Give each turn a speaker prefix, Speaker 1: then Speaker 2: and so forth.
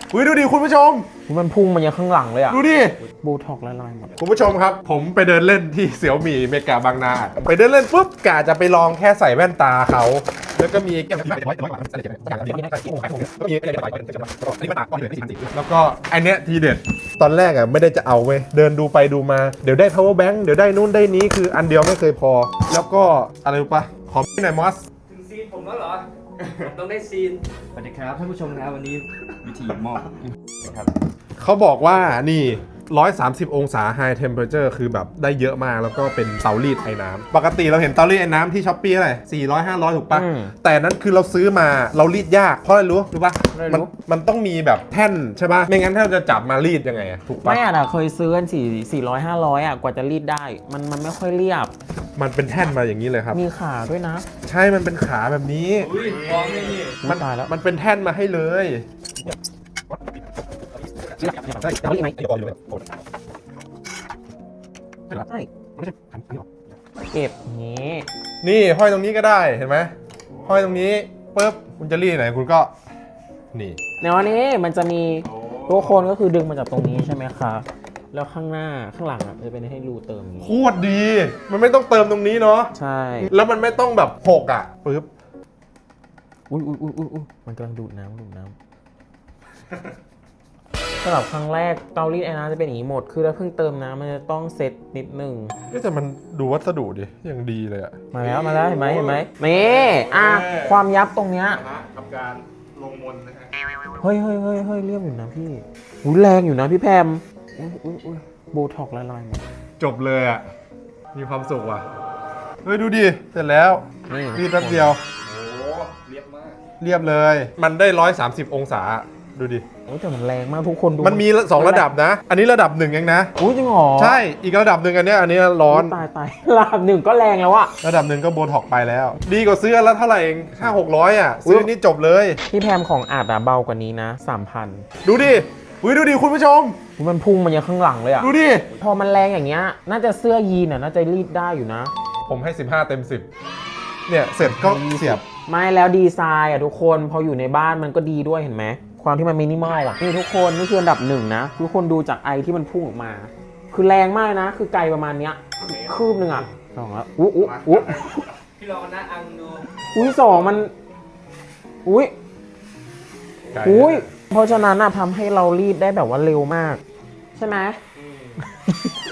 Speaker 1: อุ้ยดูดิคุณผู้ชม
Speaker 2: มันพุ่งมันยังข้างหลังเลยอ่ะ
Speaker 1: ดูดิ
Speaker 2: โบท็อกละลายหมด
Speaker 1: คุณผู้ชมครับผมไปเดินเล่นที่เสี่ยวหมี่เมกาบางนาไปเดินเล่นปุ๊บกะจะไปลองแค่ใส่แว่นตาเขาแล้วก็มีแล้วก็อันเนี้ยทีเด็ดตอนแรกอ่ะไม่ได้จะเอาเว้ยเดินดูไปดูมาเดี๋ยวได้ power bank เดี๋ยวได้นู่นได้นี้คืออันเดียวไม่เคยพอแล้วก็อะไรรู้ปะขอพี่หน่อยมอส
Speaker 3: ถึงซีนผมแล้วเหรอ ผมต้องได้ซีน สวัสดีครับท่านผู้ชมนะวันนี้วิธีมอบนะครับ
Speaker 1: เขาบอกว่านี่130 องศา high temperature คือแบบได้เยอะมากแล้วก็เป็นเตารีดไอ้น้ำปกติเราเห็นเตารีดไอ้น้ำที่ช้อปปี้อะไร400-500 ถูกปะแต่นั้นคือเราซื้อมาเรารีดยากเพราะอะไรรู้ปะมันต้องมีแบบแท่นใช่ปะไม่งั้นถ้าเราจะจับมารีดยังไงอะถูกปะ
Speaker 2: ไม่อ่ะเคยซื้อกัน400-500อ่ะกว่าจะรีดได้มันไม่ค่อยเรียบ
Speaker 1: มันเป็นแท่นมาอย่างนี้เลยครับ
Speaker 2: มีขาด้วยนะ
Speaker 1: ใช่มันเป็นขาแบบนี้
Speaker 3: อุ้ยพร้อมเลยนี่
Speaker 1: มัน
Speaker 2: ตายแล้ว
Speaker 1: มันเป็นแท่นมาให้เลย
Speaker 2: เอาอีกไหมใช่เก็บอย่างนี้
Speaker 1: นี่ห้อยตรงนี้ก็ได้เห็นไหมห้อยตรงนี้ปุ๊บคุณจะรีดไหนคุณก็นี่
Speaker 2: ในวันนี้มันจะมีตัวโคนก็คือดึงมาจากตรงนี้ใช่ไหมคะแล้วข้างหน้าข้างหลังอ่ะจะเป็นให้รูเติมอย่างนี้
Speaker 1: โคตรดี มันไม่ต้องเติมตรงนี้เนาะ
Speaker 2: ใช่
Speaker 1: แล้วมันไม่ต้องแบบหกอ่ะปึ๊บ
Speaker 2: อุ้ยมันกำลังดูดน้ำสำหรับครั้งแรกเตารีดไอ้น้ำจะเป็นอย่างนี้หมดคือถ้าเพิ่งเติมน้ำมันจะต้องเซตนิดนึง
Speaker 1: แต่มันดูวัสดุดิยังดีเลยอ่ะ
Speaker 2: มาแล้วเห็นไหมนี่ความยับตรงเนี้ย
Speaker 1: กับการลงมนนะฮะ
Speaker 2: เฮ้ยเรียบอยู่นะพี่อุ้ยแรงอยู่นะพี่แพมอุ้ยโบท็อกละลายหมด
Speaker 1: จบเลยอ่ะมีความสุขว่ะเฮ้ยดูดิเสร็จแล้วรีดแป๊บเดียว
Speaker 3: โอ้เรียบมาก
Speaker 1: เรียบเลย มันได้130 องศาดูดิ
Speaker 2: โอ้ยแต่มันแรงมากทุกคนดู
Speaker 1: มันมี2ระดับนะ อันนี้ระดับ1เองนะ
Speaker 2: อุ้ยจริงเหรอ
Speaker 1: ใช่อีกระดับหนึ่งอันเนี้ยร้อน
Speaker 2: ตายระดับหนึ่งก็แรงแล้วอะ
Speaker 1: ระดับหนึ่งก็โบท็อกไปแล้ว ดีกว่าซื้อแล้วเท่าไหร่เอง500-600อ่ะซื้อนี่จบเลย
Speaker 2: พี่แพมของอาจอะเบากว่านี้นะ 3,000
Speaker 1: ดูดิอุ้ยดูดิคุณผู้ชม
Speaker 2: มันพุ่งมันยังข้างหลังเลยอะ
Speaker 1: ดูดิ
Speaker 2: พอมันแรงอย่างเงี้ยน่าจะเสื้อยีนอะน่าจะรีดได้อยู่นะ
Speaker 1: ผมให้15เต็ม10เนี่ยเสร็จก็เสียบ
Speaker 2: ไม่แล้วดีไซน์อะทุกคนพออยู่ในบ้านมันก็ดีด้วยเห็นไหมความที่มันมินิมอลอะนี่ทุกคนนี่คืออันดับหนึ่งนะทุกคนดูจากไอที่มันพุ่งออกมา คือแรงมากนะ คือไกลประมาณเนี้ยคืบหนึ่งอะสองแล้วอุ๊
Speaker 3: พี่ลองนะอังดู
Speaker 2: อุ้ยสองมันอุ้ยเพราะฉะนั้นอะทำให้เรารีดได้แบบว่าเร็วมาก ใช่ไหม